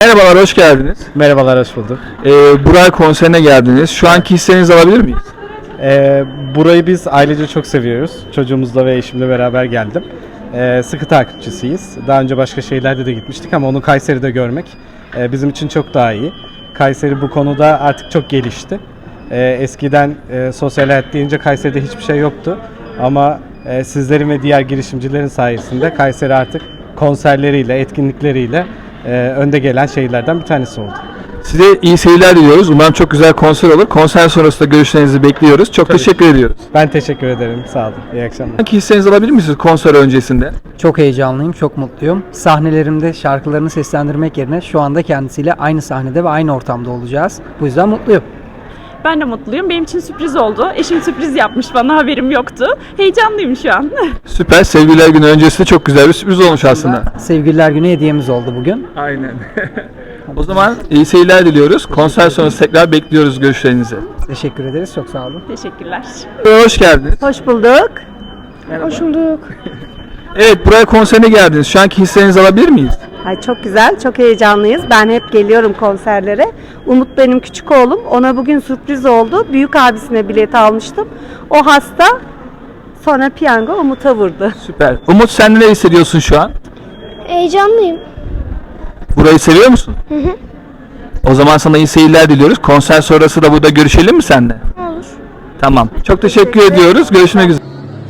Merhabalar, hoş geldiniz. Merhabalar, hoş bulduk. Buray konserine geldiniz. Şu anki hislerinizi alabilir miyiz? Burayı biz ailece çok seviyoruz. Çocuğumuzla ve eşimle beraber geldim. Sıkı takipçisiyiz. Daha önce başka şehirlerde de gitmiştik ama onu Kayseri'de görmek bizim için çok daha iyi. Kayseri bu konuda artık çok gelişti. Eskiden sosyal hayat deyince Kayseri'de hiçbir şey yoktu. Ama sizlerin ve diğer girişimcilerin sayesinde Kayseri artık konserleriyle, etkinlikleriyle önde gelen şehirlerden bir tanesi oldu. Size iyi seyirler diliyoruz. Umarım çok güzel konser olur. Konser sonrasında görüşlerinizi bekliyoruz. Çok teşekkür ediyoruz. Ben teşekkür ederim. Sağ olun. İyi akşamlar. Hangi hislerinizi alabilir misiniz konser öncesinde? Çok heyecanlıyım, çok mutluyum. Sahnelerimde şarkılarını seslendirmek yerine şu anda kendisiyle aynı sahnede ve aynı ortamda olacağız. Bu yüzden mutluyum. Ben de mutluyum. Benim için sürpriz oldu. Eşim sürpriz yapmış bana, haberim yoktu. Heyecanlıyım şu an. Süper. Sevgililer Günü öncesinde çok güzel bir sürpriz olmuş aslında. Sevgililer Günü hediyemiz oldu bugün. Aynen. O zaman iyi seyirler diliyoruz. Konser sonrası tekrar bekliyoruz görüşlerinizi. Teşekkür ederiz, çok sağ olun. Teşekkürler. Hoş geldiniz. Hoş bulduk. Hoş bulduk. Evet, buraya konserine geldiniz. Şu anki hislerinizi alabilir miyiz? Ay çok güzel, çok heyecanlıyız. Ben hep geliyorum konserlere. Umut benim küçük oğlum. Ona bugün sürpriz oldu. Büyük abisine bilet almıştım. O hasta. Sonra piyango Umut'a vurdu. Süper. Umut, sen ne hissediyorsun şu an? Heyecanlıyım. Burayı seviyor musun? Hı hı. O zaman sana iyi seyirler diliyoruz. Konser sonrası da burada görüşelim mi seninle? Olur. Tamam. Çok teşekkür ediyoruz. Görüşmek üzere.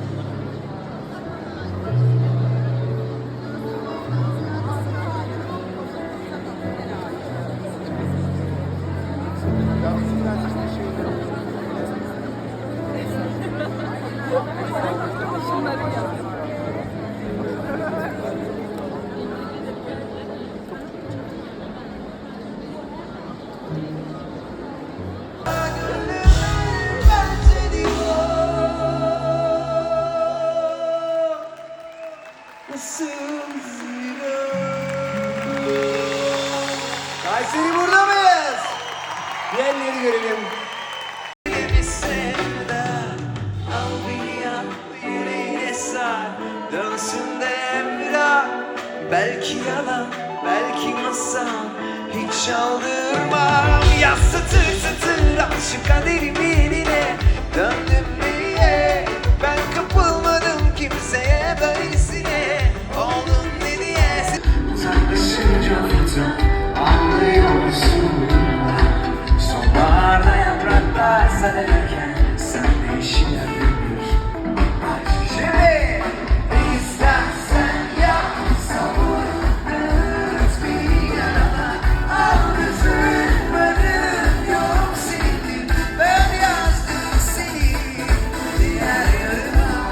Kayseri burada mıyız? Diğerleri görelim. Al beni yap, yüreğine sar. Dönsün de emrah. Belki yalan, belki masal. Hiç aldırmam. Yaz satır satır al şu kaderimi eline. Döndüm diye ben kapılmadım kimseye böylesine. Oldun ne diye. Uzaklaşınca fırtına anlıyorsun. Sonbaharda yapraklar sararken sen de işine dönür. Şimdi istersen yap savur. Dört bir yana al kızırmanın yok senin. Ben yazdım seni diğer yarına.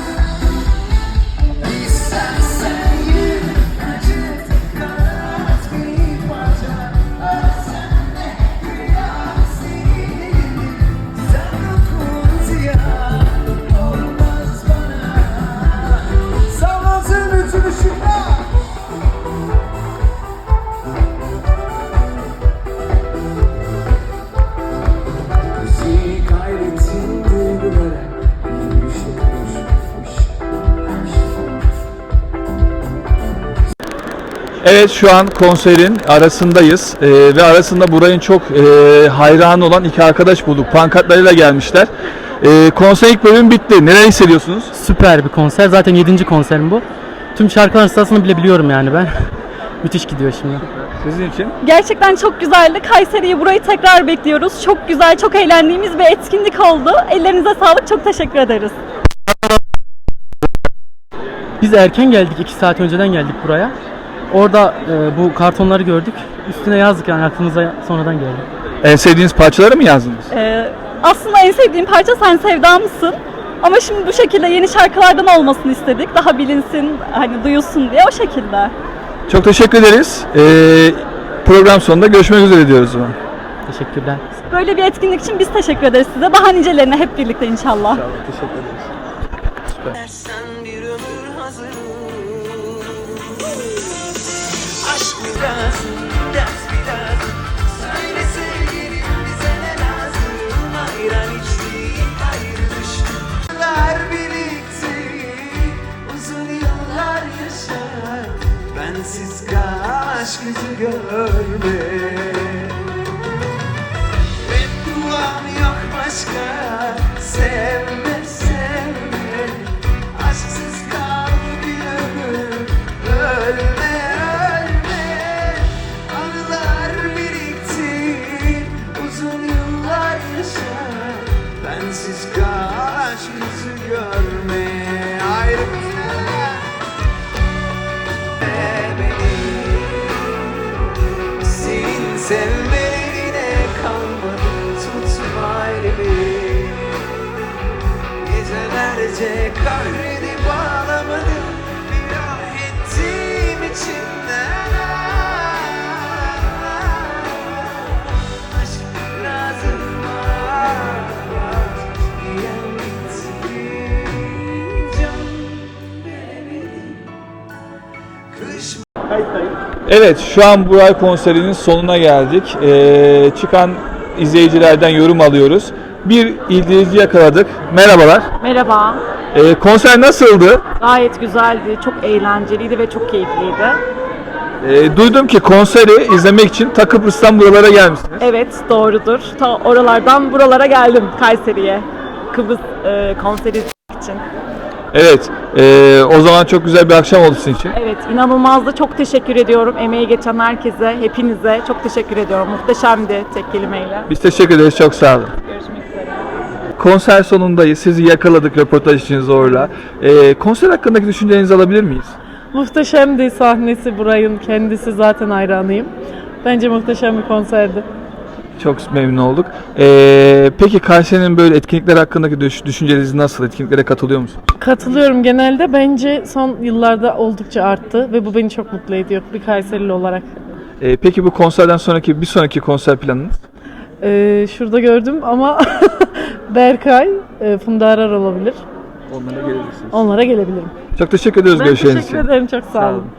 İstersen yürü acıt kanat bir parça. Al sen de rüyam senin. Sen dokun ziyan olmaz bana. Sallansın bütün ışıklar. Bizi kaybettin duygulara. Bir şey Evet, şu an konserin arasındayız ve arasında Buray'ın çok hayranı olan iki arkadaş bulduk. Pankartlarıyla gelmişler. Konser ilk bölüm bitti. Neler hissediyorsunuz? Süper bir konser. Zaten 7. konserim bu. Tüm şarkıların sırasını bile biliyorum yani ben. Müthiş gidiyor şimdi. Sizin için? Gerçekten çok güzeldi. Kayseri'yi, burayı tekrar bekliyoruz. Çok güzel, çok eğlendiğimiz bir etkinlik oldu. Ellerinize sağlık. Çok teşekkür ederiz. Biz erken geldik. 2 saat önceden geldik buraya. Orada bu kartonları gördük. Üstüne yazdık yani aklımıza sonradan geldi. En sevdiğiniz parçaları mı yazdınız? Aslında en sevdiğim parça Sen Sevda mısın? Ama şimdi bu şekilde yeni şarkılardan olmasını istedik. Daha bilinsin, hani duyulsun diye o şekilde. Çok teşekkür ederiz. Program sonunda görüşmek üzere diyoruz o zaman. Teşekkürler. Böyle bir etkinlik için biz teşekkür ederiz size. Daha nicelerine hep birlikte inşallah. Teşekkür ederiz. Sen bir ömür hazırım. Aşk mı lazım, ders mi lazım? Söyle sevgilim bize ne lazım? Ayran içtik, ayrı düştük. Yıllar birlikte, uzun yıllar yaşar. Bensiz kaç gözü gör. görme. Bedduam yok başka, sevme sevme. Aşksız kal bir ömür, ölme ölme. Anılar birikti, uzun yıllar yaşa. Bensiz kaç yüzü görme. Ayrı beni, senin sevmelerine kalmadı. Tutma elimi, gecelerce kahredip ağlamadım. Bir ah ettiğim içimden. Aşk lazım var, diyen bitti. Can veremedim. Kış Evet, şu an Buray konserinin sonuna geldik. Çıkan izleyicilerden yorum alıyoruz. Bir izleyici yakaladık. Merhabalar. Merhaba. Konser nasıldı? Gayet güzeldi, çok eğlenceliydi ve çok keyifliydi. Duydum ki konseri izlemek için ta Kıbrıs'tan buralara gelmişsiniz. Evet, doğrudur. Ta oralardan buralara geldim, Kayseri'ye. Kıbrıs konseri izlemek için. Evet, o zaman çok güzel bir akşam oldu sizin için. Evet, inanılmazdı. Çok teşekkür ediyorum. Emeği geçen herkese, hepinize çok teşekkür ediyorum. Muhteşemdi tek kelimeyle. Biz teşekkür ederiz, çok sağ olun. Görüşmek üzere. Konser sonundayız, sizi yakaladık röportaj için zorla. Konser hakkındaki düşüncelerinizi alabilir miyiz? Muhteşemdi sahnesi, Buray'ın kendisi, zaten hayranıyım. Bence muhteşem bir konserdi. Çok memnun olduk. Peki Kayseri'nin böyle etkinlikler hakkındaki düşünceleriniz nasıl? Etkinliklere katılıyor musunuz? Katılıyorum genelde. Bence son yıllarda oldukça arttı ve bu beni çok mutlu ediyor bir Kayserili olarak. Peki bu konserden sonraki bir sonraki konser planınız? Şurada gördüm ama Berkay, Funda Arar olabilir. Onlara gelebilirsiniz. Onlara gelebilirim. Çok teşekkür ediyoruz Ben görüşleriniz teşekkür için. ederim. Çok sağ olun.